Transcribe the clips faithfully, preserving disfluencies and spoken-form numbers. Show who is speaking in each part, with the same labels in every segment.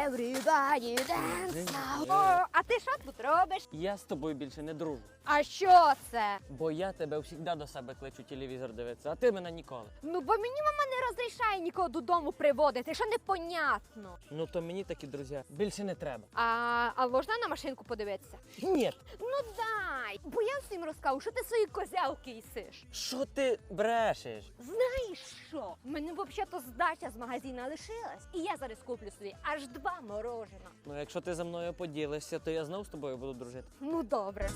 Speaker 1: Everybody dance now. О, а ти що тут робиш?
Speaker 2: Я з тобою більше не дружу.
Speaker 1: А що це?
Speaker 2: Бо я тебе завжди до себе кличу телевізор дивитися, а ти мене ніколи.
Speaker 1: Ну, бо мені мама не розрішає нікого додому приводити, що непонятно.
Speaker 2: Ну то мені такі друзі більше не треба.
Speaker 1: А, а можна на машинку подивитися?
Speaker 2: Ні.
Speaker 1: Ну дай, бо я всім розкажу, що ти свої козявки їсиш.
Speaker 2: Що ти брешеш?
Speaker 1: Знаєш що? У мене взагалі здача з магазину лишилась, і я зараз куплю собі аж два морожена.
Speaker 2: Ну якщо ти за мною поділишся, то я знов з тобою буду дружити.
Speaker 1: Ну добре.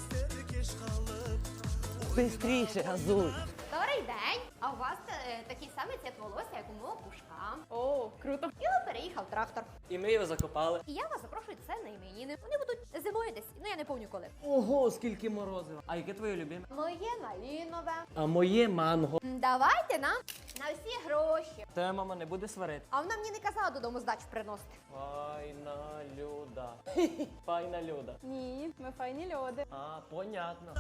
Speaker 2: Бистріше, газуй.
Speaker 1: Добрий день. А у вас е, такий самий цвіт волосся, як у мого пушка.
Speaker 3: О, круто.
Speaker 1: І от переїхав трактор.
Speaker 2: І ми його закопали.
Speaker 1: І я вас запрошую це на іменини. Вони будуть зимою десь, ну я не пам'ятаю коли.
Speaker 2: Ого, скільки морозива. А яке твоє любиме?
Speaker 1: Моє малінове.
Speaker 2: А моє манго.
Speaker 1: М, Давайте нам на всі гроші.
Speaker 2: Тебе мама не буде сварити.
Speaker 1: А вона мені не казала додому здачу приносити.
Speaker 2: Файна люда. Файна люда.
Speaker 3: Ні, ми файні люди.
Speaker 2: А, понятно.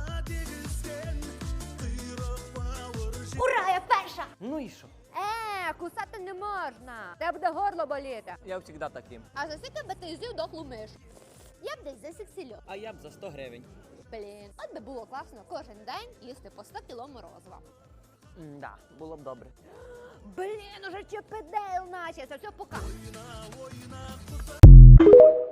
Speaker 1: Ура, я перша!
Speaker 2: Ну і що?
Speaker 1: Е, кусати не можна. Тебе буде горло боліти.
Speaker 2: Я завжди таким.
Speaker 1: А за скільки би ти з'їв дохлу мишу? Я б десь за сексільок.
Speaker 2: А я б за сто гривень.
Speaker 1: Блін, от би було класно кожен день їсти по сто кіло морозива.
Speaker 2: Да, було б добре.
Speaker 1: Блін, уже ЧПД наче, це все пока.